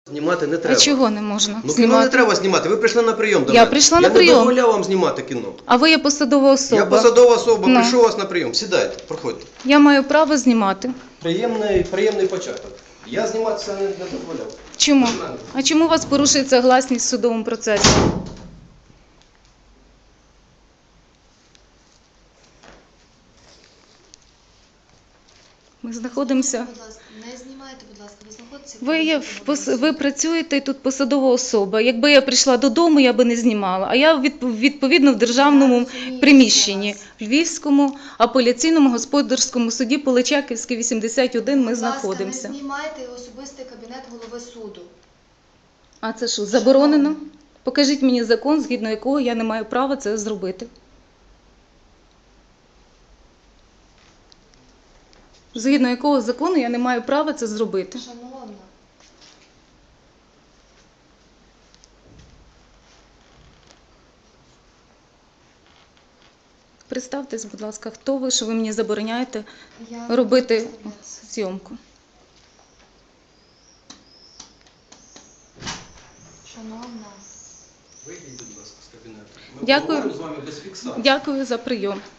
Знімати не треба. А чого не можна Ну, кіно не знімати? треба знімати. Ви прийшли на прийом до Я мене. прийшла на прийом. Я не дозволяв вам знімати кіно. А ви є посадова особа. Я посадова особа, Ну. прийшов вас на прийом. Сідайте, проходьте. Я маю право знімати. Приємний початок. Я зніматися не дозволяв. Чому? А чому у вас порушується гласність в судовому процесі? Ми знаходимося... Будь ласка, не знімайте, будь ласка, ви знаходитеся... Ви працюєте тут посадова особа. Якби я прийшла додому, я би не знімала. А я відповідно в державному приміщенні, в Львівському апеляційному господарському суді Поличаківський, 81 ми знаходимося. Не знімайте особистий кабінет голови суду. А це що, заборонено? Покажіть мені закон, згідно якого я не маю права це зробити. Згідно якого закону я не маю права це зробити. Шановна. Представтесь, будь ласка, хто ви, що ви мені забороняєте Я робити не представляюся. зйомку. Шановна. Вийдіть, будь ласка, з кабінету. Дякую. Ми поговоримо з вами без фіксації. Дякую за прийом.